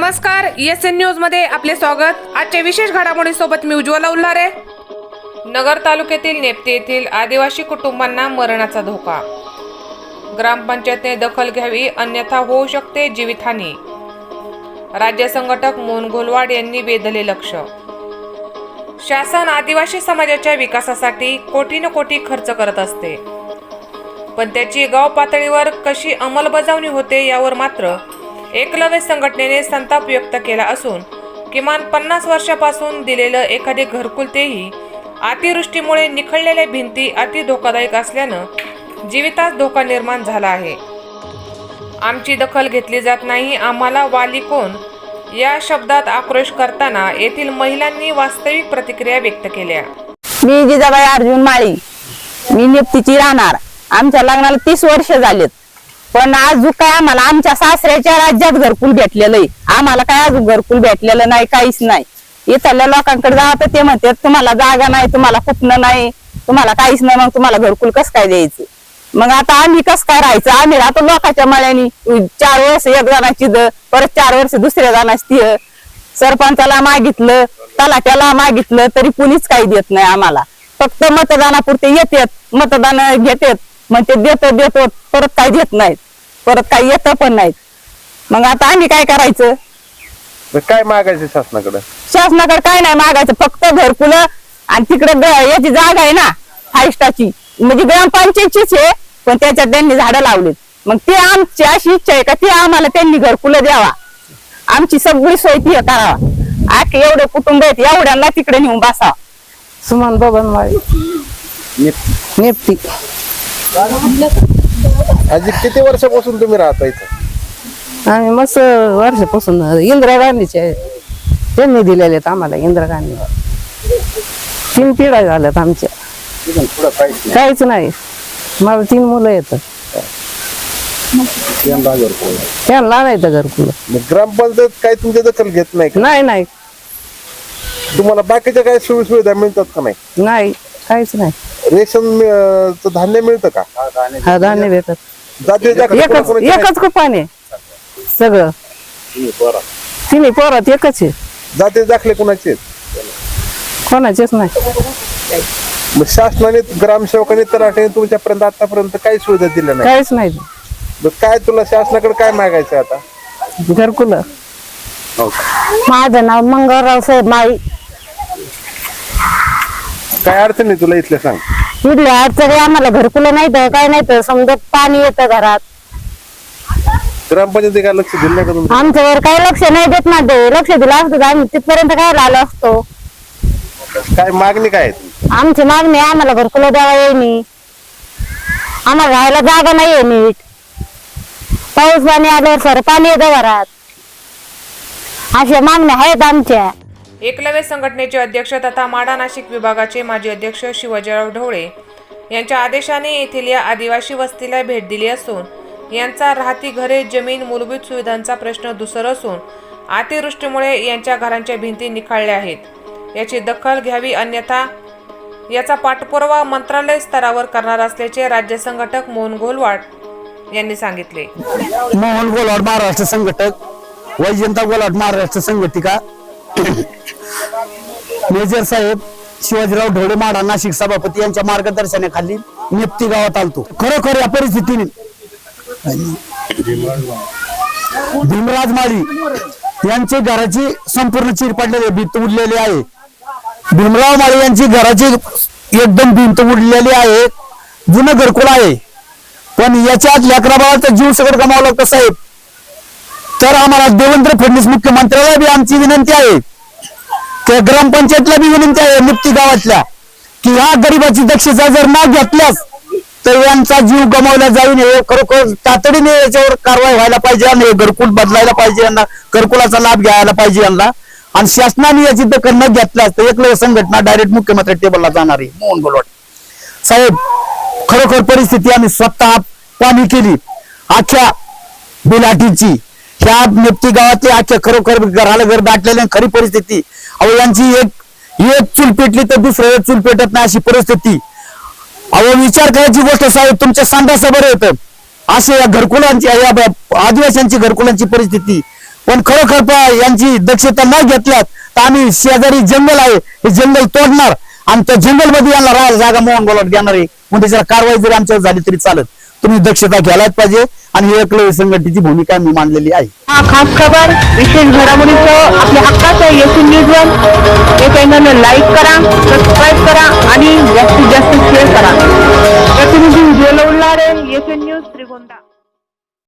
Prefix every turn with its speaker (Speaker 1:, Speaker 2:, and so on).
Speaker 1: नमस्कार, ESN news मध्ये आपले स्वागत। आजच्या विशेष घडामोडींसोबत मी उज्ज्वला उल्हारे। नगर तालुक्यातील नेप्ती येथील आदिवासी कुटुंबांना मरणाचा धोका। ग्रामपंचायतने दखल घ्यावी अन्यथा होऊ शकते जीवितहानी। राज्य संघटक मोहन घोलवाड यांनी वेधले लक्ष। शासन आदिवासी समाजाच्या विकासासाठी कोटी खर्च करत असते, पण त्याची गाव पातळीवर कशी अंमलबजावणी होते यावर मात्र एकलव्य संघटनेने संताप व्यक्त केला असून किमान 50 वर्षापासून दिलेलं एखादे घरकुल तेही अतिवृष्टीमुळे निखळलेल्या भिंती अति धोकादायक असल्यानं जीवितास धोका निर्माण झाला आहे। आमची दखल घेतली जात नाही, आम्हाला वाली कोण या शब्दात आक्रोश करताना येथील महिलांनी वास्तविक प्रतिक्रिया व्यक्त केल्या।
Speaker 2: मी जिजाबाई अर्जुन माळी, मी नेप्तीची राहणार। आमच्या लग्नाला 30 वर्ष झालेत, पण अजून काय आम्हाला आमच्या सासऱ्याच्या राज्यात घरकुल भेटलेलं आहे। आम्हाला काय अजून घरकुल भेटलेलं नाही, काहीच नाही। इथल्या लोकांकडे जात ते म्हणतात तुम्हाला जागा नाही, तुम्हाला कुठनं नाही, तुम्हाला काहीच नाही, मग तुम्हाला घरकुल कसं काय द्यायचं? मग आता आम्ही कसं काय राहायचं? आम्ही राहतो लोकांच्या मळ्यानी। 4 वर्ष एक जणाची परत 4 वर्ष दुसऱ्या जणाची सरपंचाला मागितलं, तलाट्याला मागितलं तरी कुणीच काही देत नाही आम्हाला। फक्त मतदानापुरते येतात, मतदान घेतात, मग ते देतो परत काही देत नाहीत, परत काही येत पण नाहीत। मग आता आम्ही काय करायचं?
Speaker 3: काय मागायचं शासनाकडे?
Speaker 2: शासनाकडे काय नाही मागायचं, फक्त घरकुल आणि तिकडे याची जागा आहे ना 5 स्टारची, म्हणजे ग्रामपंचायतचीच आहे, पण त्याच्यात त्यांनी झाडं लावलीत। मग ते आमची अशी इच्छा आहे का ते आम्हाला त्यांनी घरकुल द्यावा, आमची सगळी सोय ती करावा। आखे एवढे कुटुंब आहेत, एवढ्यांना तिकडे नेऊन बसावा। सुमन बबनवाडी, नेप्ती।
Speaker 3: आजी किती वर्षापासून तुम्ही राहता इथं?
Speaker 4: आम्ही मस्त वर्षापासून इंदिरा गांधीचे त्यांनी दिलेले आहेत आम्हाला। इंदिरा गांधी 3 पिढ्या झाल्यात आमच्या, काहीच नाही। मला 3 मुलं आहेत, त्यांना नाही तर घरकुल।
Speaker 3: ग्रामपंचायत काय तुमच्या दखल घेत नाही का?
Speaker 4: नाही,
Speaker 3: तुम्हाला बाकीच्या काय सुविधा मिळतात का?
Speaker 4: नाही, काहीच नाही।
Speaker 3: रेशन धान्य मिळतं का?
Speaker 4: हा, धान्य भेटत। एकच कुपान आहे सगळं, 3 पोरात एकच आहे।
Speaker 3: जाती दाखले कोणाचे?
Speaker 4: कोणाचेच नाही।
Speaker 3: मग शासनाने ग्रामसेवकांनी तलाठ्याने तुमच्यापर्यंत आतापर्यंत काही सुविधा दिल्या नाही?
Speaker 4: काहीच नाही।
Speaker 3: मग काय तुला शासनाकडे काय मागायचं आता?
Speaker 4: घरकुल।
Speaker 2: माझं नाव मंगळराव साहेब माळी।
Speaker 3: काय अडचण नाही तुला इथल्या सांग?
Speaker 2: इथल्या अडचणी आम्हाला घरकुल नाही तर काय नाही तर समजा पाणी येतं घरात।
Speaker 3: ग्रामपंचायती काय लक्ष दिलं नाही का तुम्ही?
Speaker 2: आमच्यावर काही लक्ष नाही देत ना, ते लक्ष दिलं असतं तर आम्ही तिथपर्यंत काय आलो असतो।
Speaker 3: काय मागणी काय आहे तुमची?
Speaker 2: आमची मागणी आम्हाला घरकुल द्यावा येईनी, आम्हाला राहायला जागा नाहीये नीट, पाऊस पाणी आल्यावर सर पाणी येतं घरात, अशा मागण्या आहेत आमच्या।
Speaker 1: एकलव्य संघटनेचे अध्यक्ष तथा माढा नाशिक विभागाचे माजी अध्यक्ष शिवाजीराव ढवळे यांच्या आदेशाने येथील या आदिवासी वस्तीला भेट दिली असून यांचा राहती घरे, जमीन, मूलभूत सुविधांचा प्रश्न धुसर असून अतिवृष्टीमुळे यांच्या घरांच्या भिंती निखळल्या आहेत। याची दखल घ्यावी अन्यथा याचा पाठपुरावा मंत्रालय स्तरावर करणार असल्याचे राज्य संघटक मोहन घोलवाड यांनी सांगितले।
Speaker 5: मोहन घोलवाड महाराष्ट्र संघटक, वैजयंता घोलवाड महाराष्ट्र संघटिका, मेजर साहेब शिवाजीराव ढवळे माढा नाशिक सभापती यांच्या मार्गदर्शनाखाली नेप्ती गावात आलतो। खरोखर या परिस्थितीने भीमराज माळी यांची घराची संपूर्ण चिर पडलेली भिंत उडलेली आहे। भीमराव माळी यांची घराची एकदम भिंत उडलेली आहे, जुनं घरकुल आहे, पण याच्यात लेकरा बाळाचा जीव सगळं गमावं लागतं साहेब। तर आम्हाला देवेंद्र फडणवीस मुख्यमंत्र्याला बी आमची विनंती आहे, त्या ग्रामपंचायतला बी विनंती आहे नेप्ती गावातल्या, की ह्या गरीबाची दक्षता जर न घेतल्यास तर यांचा जीव गमावला जाईल। हे खरोखर तातडीने याच्यावर कारवाई व्हायला पाहिजे आणि घरकुल बदलायला पाहिजे, यांना घरकुलाचा लाभ घ्यायला पाहिजे यांना। आणि शासनाने याची दखल न घेतल्यास तर एकलव्य संघटना डायरेक्ट मुख्यमंत्री टेबलला जाणार आहे। मोहन घोलवाड साहेब, खरोखर परिस्थिती आम्ही स्वतः पाहणी केली अख्ख्या बिलाटीची, ह्या नेप्ती गावातली अख्ख्या खरोखर घराला घर दाटलेली खरी परिस्थिती। अहो यांची एक चूल पेटली तर दुसरं एक चूल पेटत नाही अशी परिस्थिती। अहो विचार करायची गोष्ट साहेब, तुमच्या संडास बरं येतं असे या घरकुलांची, या आदिवासींची घरकुलांची परिस्थिती। पण खरोखर यांची दक्षता न घेतल्यात तर आम्ही शेजारी जंगल आहे हे जंगल तोडणार आणि त्या जंगल मध्ये यांना राहायला जागा मोहन बोलत घेणार आहे. मग त्याच्यावर कारवाई जरी आमच्यावर झाली तरी चालत. तुम्ही दक्षता घ्यायलाच पाहिजे आणि ही एकलव्य संघटनेची भूमिका मी मांडलेली आहे.
Speaker 2: हा खास खबर विशेष घडामोडीचं आपल्या हक्काचं येथील न्यूज हे चॅनल लाईक करा, सबस्क्राईब करा आणि जास्तीत जास्त शेअर करा. प्रतिनिधी उज्ज्वला उल्हारे, येथील न्यूज श्रीगोंदा.